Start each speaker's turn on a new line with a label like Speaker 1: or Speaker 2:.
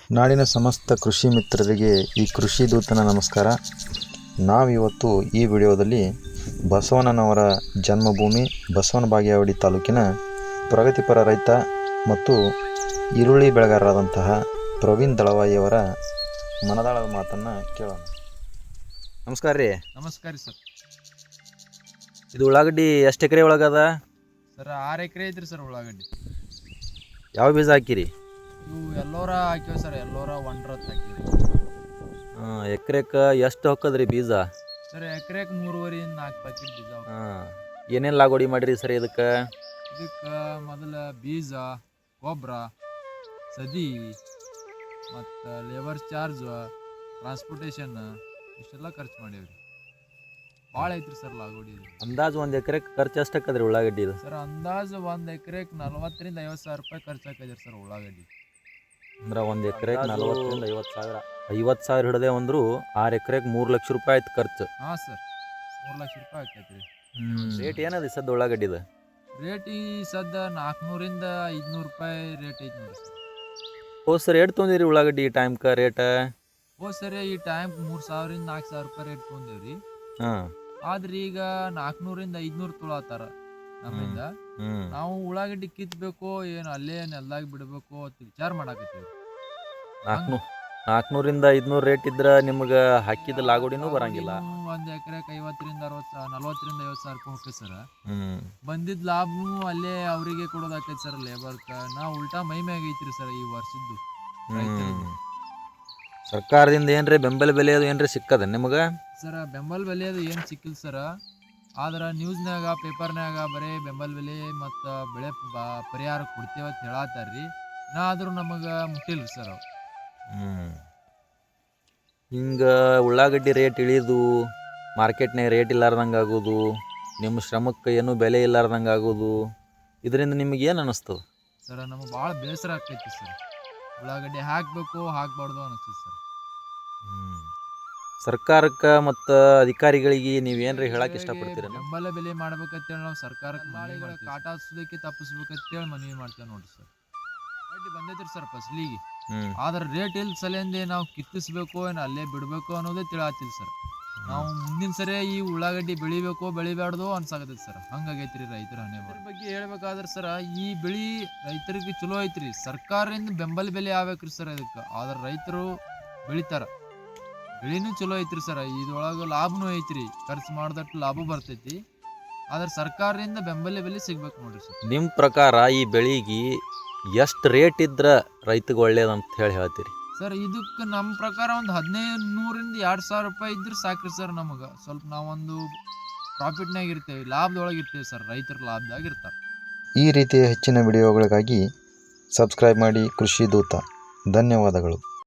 Speaker 1: ನಾಡಿನ ಸಮಸ್ತ ಕೃಷಿ ಮಿತ್ರರಿಗೆ ಈ ಕೃಷಿ ದೂತನ ನಮಸ್ಕಾರ. ನಾವಿವತ್ತು ಈ ವಿಡಿಯೋದಲ್ಲಿ ಬಸವಣ್ಣನವರ ಜನ್ಮಭೂಮಿ ಬಸವನ ಬಾಗೇವಾಡಿ ತಾಲೂಕಿನ ಪ್ರಗತಿಪರ ರೈತ ಮತ್ತು ಈರುಳ್ಳಿ ಬೆಳೆಗಾರರಾದಂತಹ ಪ್ರವೀಣ್ ದಳವಾಯಿಯವರ ಮನದಾಳದ ಮಾತನ್ನು ಕೇಳೋಣ. ನಮಸ್ಕಾರ ರೀ.
Speaker 2: ನಮಸ್ಕಾರ ಸರ್.
Speaker 1: ಇದು ಉಳ್ಳಾಗಡ್ಡಿ ಎಷ್ಟು ಎಕರೆ ಒಳಗದ
Speaker 2: ಸರ್? 6 ಎಕರೆ ಐತ್ರಿ ಸರ್ ಉಳ್ಳಾಗಡ್ಡಿ.
Speaker 1: ಯಾವ ಬೀಜ ಹಾಕಿರಿ?
Speaker 2: ಇವು ಎಲ್ಲೋರ ಹಾಕಿವಿ ಸರ್, ಎಲ್ಲೋರ 1 ಹಾಕಿವಿ.
Speaker 1: ಎಕರೆಕ್ಕೆ ಎಷ್ಟು ಹೊಕ್ಕದ್ರಿ ಬೀಜ?
Speaker 2: ಸರ್ ಎಕರೆಗೆ 3.5 4 ಪ್ಯಾಕೆಟ್ ಬೀಜ.
Speaker 1: ಏನೇನು ಲಾಗೋಡಿ ಮಾಡಿರಿ ಸರ್ ಇದಕ್ಕೆ?
Speaker 2: ಮೊದಲ ಬೀಜ, ಗೊಬ್ಬರ, ಸದಿ ಮತ್ತು ಲೇಬರ್ ಚಾರ್ಜ್, ಟ್ರಾನ್ಸ್ಪೋರ್ಟೇಷನ್ ಇಷ್ಟೆಲ್ಲ ಖರ್ಚು ಮಾಡೀವ್ರಿ. ಭಾಳ ಐತ್ರಿ ಸರ್ ಲಾಗೋಡಿ.
Speaker 1: ಅಂದಾಜು ಒಂದು ಎಕರೆಗೆ ಖರ್ಚು ಎಷ್ಟು ಹಾಕದ್ರಿ ಉಳ್ಳಾಗಡ್ಡಿ?
Speaker 2: ಸರ್ ಅಂದಾಜು 1 ಎಕರೆಗೆ 40,000 50 ಸಾವಿರ ರೂಪಾಯಿ ಖರ್ಚು ಹಾಕಿದ್ರಿ ಸರ್ ಉಳ್ಳಾಗಡ್ಡಿ.
Speaker 1: ಅಂದ್ರೆ 1 ಎಕರೆಗೆ 40,000 50 ಸಾವಿರ. 50 ಸಾವಿರ ಹಿಡದೆ ಅಂದ್ರು 6 ಎಕರೆಗೆ 3 ಲಕ್ಷ ರೂಪಾಯಿ ಆಯ್ತು ಖರ್ಚು.
Speaker 2: ಹಾಂ ಸರ್, 3 ಲಕ್ಷ ರೂಪಾಯಿ ಆಕೈತ್ರಿ.
Speaker 1: ರೇಟ್ ಏನದ ಸದ್ದು ಉಳ್ಳಾಗಡ್ಡಿದ?
Speaker 2: ರೇಟ್ ಈ ಸದ್ದ 400ರಿಂದ 500 ರೂಪಾಯಿ ರೇಟ್ ಐತಿ ನೋಡಿ ಸರ್.
Speaker 1: ಹೋದ್ ಸರ್ ಎಷ್ಟು ತೊಗೊಂಡಿರಿ ಉಳ್ಳಾಗಡ್ಡಿ ಈ ಟೈಮ್ಗೆ ರೇಟ್?
Speaker 2: ಹೋದ್ ಸರಿ ಈ ಟೈಮ್ 3,000ರಿಂದ 4,000 ರೂಪಾಯಿ ರೇಟ್ ತೊಗೊಂಡೇವ್ರಿ. ಆದ್ರೆ ಈಗ 400ರಿಂದ 500 ತೊಳತ್ತಾರ ನಮ್ಮಿಂದ. ನಾವು ಉಳ್ಳಾಗಡ್ಡಿ ಕಿತ್ಬೇಕು ಏನು ಅಲ್ಲೇ ನೆಲ್ದಾಗ ಬಿಡಬೇಕು ಅಂತ ವಿಚಾರ ಮಾಡಾಕತ್ತೀವಿ.
Speaker 1: 400ರಿಂದ 500 ರೇಟ್ ಇದ್ರ ನಿಮ್ಗೆ ಹಾಕಿದ ಲಾಗೋಡಿನೂ ಬರಂಗಿಲ್ಲ.
Speaker 2: 1 ಎಕರೆಗೆ 50ರಿಂದ 60 40ರಿಂದ 50 ಸಾವಿರ ರೂಪಾಯಿ ಹೋಗ್ತೈತೆ ಸರ್. ಬಂದಿದ್ದ ಲಾಭನು ಅಲ್ಲೇ ಅವರಿಗೆ ಕೊಡೋದಾಕೈತಿ ಸರ್ ಲೇಬರ್ಕ. ನಾವು ಉಲ್ಟಾ ಮೈ ಮ್ಯಾಗ ಐತ್ರಿ ಸರ್ ಈ ವರ್ಷದ್ದು.
Speaker 1: ಸರ್ಕಾರದಿಂದ ಏನ್ರಿ ಬೆಂಬಲ ಬೆಲೆ ಅದು ಏನ್ರಿ ಸಿಕ್ಕದ ನಿಮಗೆ?
Speaker 2: ಸರ್ ಬೆಂಬಲ ಬೆಲೆ ಅದು ಏನು ಸಿಕ್ಕಿಲ್ಲ ಸರ್. ಆದ್ರೆ ನ್ಯೂಸ್ನಾಗ ಪೇಪರ್ನಾಗ ಬರೀ ಬೆಂಬಲ ಬೆಲೆ ಮತ್ತು ಬೆಳೆ ಪರಿಹಾರ ಕೊಡ್ತೇವತ್ತು ಹೇಳತ್ತಾರ್ರಿ. ಆದರೂ ನಮಗೆ ಮುಟ್ಟಿಲ್ರಿ ಸರ್ ಅವು.
Speaker 1: ಹಿಂಗೆ ಉಳ್ಳಾಗಡ್ಡಿ ರೇಟ್ ಇಳಿದು ಮಾರ್ಕೆಟ್ನಾಗ ರೇಟ್ ಇಲ್ಲಾರ್ದಂಗೆ ಆಗೋದು, ನಿಮ್ಮ ಶ್ರಮಕ್ಕೆ ಏನೂ ಬೆಲೆ ಇಲ್ಲಾರ್ದಂಗೆ ಆಗೋದು, ಇದರಿಂದ ನಿಮಗೆ ಏನು ಅನ್ನಿಸ್ತದೆ?
Speaker 2: ಸರ್ ನಮಗೆ ಭಾಳ ಬೇಸರ ಆಗ್ತೈತಿ ಸರ್. ಉಳ್ಳಾಗಡ್ಡಿ ಹಾಕಬೇಕು ಹಾಕಬಾರ್ದು ಅನ್ನಿಸ್ತದೆ ಸರ್.
Speaker 1: ಸರ್ಕಾರಕ್ಕೆ ಮತ್ತು ಅಧಿಕಾರಿಗಳಿಗೆ ನೀವೇನ್ರಿ ಹೇಳಕ್ಕೆ ಇಷ್ಟಪಡ್ತೀರ?
Speaker 2: ಬೆಂಬಲ ಬೆಲೆ ಮಾಡ್ಬೇಕಂತೇಳಿ ನಾವು ಸರ್ಕಾರಕ್ಕೆ ಕಾಟ ಹಚ್ಚೋದಕ್ಕೆ ತಪ್ಪಿಸ್ಬೇಕಂತೇಳಿ ಮನವಿ ಮಾಡ್ತೇವೆ ನೋಡ್ರಿ ಸರ್. ಉಳ್ಳಾಗಡ್ಡಿ ಬಂದೈತ್ರಿ ಸರ್ ಫಸಲಿಗೆ, ಆದ್ರೆ ರೇಟ್ ಇಲ್ಲ ಸಲಿಂದೆ ನಾವು ಕಿತ್ತಿಸ್ಬೇಕು ಏನು ಅಲ್ಲೇ ಬಿಡಬೇಕು ಅನ್ನೋದೇ ತಿಳಾತಿಲ್ಲ ಸರ್. ನಾವು ಮುಂದಿನ ಸರಿ ಈ ಉಳ್ಳಾಗಡ್ಡಿ ಬೆಳಿಬೇಕು ಬೆಳಿಬಾರ್ದು ಅನ್ಸಾಕತ್ತೈತಿ ಸರ್. ಹಂಗಾಗೈತ್ರಿ ರೈತರ ಹಣೆ ಬಗ್ಗೆ ಹೇಳ್ಬೇಕಾದ್ರೆ ಸರ್, ಈ ಬೆಳೆ ರೈತರಿಗೆ ಚಲೋ ಐತ್ರಿ. ಸರ್ಕಾರದಿಂದ ಬೆಂಬಲ ಬೆಲೆ ಆಗ್ಬೇಕ್ರಿ ಸರ್ ಇದಕ್ಕೆ. ಆದ್ರೆ ರೈತರು ಬೆಳಿತಾರ, ಬೆಳೆನೂ ಚಲೋ ಐತ್ರಿ ಸರ್. ಇದ್ರೊಳಗೆ ಲಾಭನೂ ಐತ್ರಿ, ಖರ್ಚು ಮಾಡಿದಟ್ಟು ಲಾಭ ಬರ್ತೈತಿ. ಆದ್ರೆ ಸರ್ಕಾರದಿಂದ ಬೆಂಬಲ ಬೆಲೆ ಸಿಗ್ಬೇಕು ನೋಡ್ರಿ ಸರ್.
Speaker 1: ನಿಮ್ಮ ಪ್ರಕಾರ ಈ ಬೆಳೆಗೆ ಎಷ್ಟು ರೇಟ್ ಇದ್ರೆ ರೈತಗೆ ಒಳ್ಳೇದಂತ ಹೇಳ್ತೀರಿ
Speaker 2: ಸರ್? ಇದಕ್ಕೆ ನಮ್ಮ ಪ್ರಕಾರ ಒಂದು 1,500ರಿಂದ 2,000 ರೂಪಾಯಿ ಇದ್ರೆ ಸಾಕ್ರಿ ಸರ್. ನಮಗೆ ಸ್ವಲ್ಪ ನಾವೊಂದು ಪ್ರಾಫಿಟ್ನಾಗ ಇರ್ತೇವೆ, ಲಾಭದೊಳಗೆ ಇರ್ತೇವೆ ಸರ್. ರೈತರ ಲಾಭದಾಗ ಇರ್ತಾರೆ.
Speaker 1: ಈ ರೀತಿಯ ಹೆಚ್ಚಿನ ವಿಡಿಯೋಗಳಿಗಾಗಿ ಸಬ್ಸ್ಕ್ರೈಬ್ ಮಾಡಿ ಕೃಷಿ ದೂತ. ಧನ್ಯವಾದಗಳು.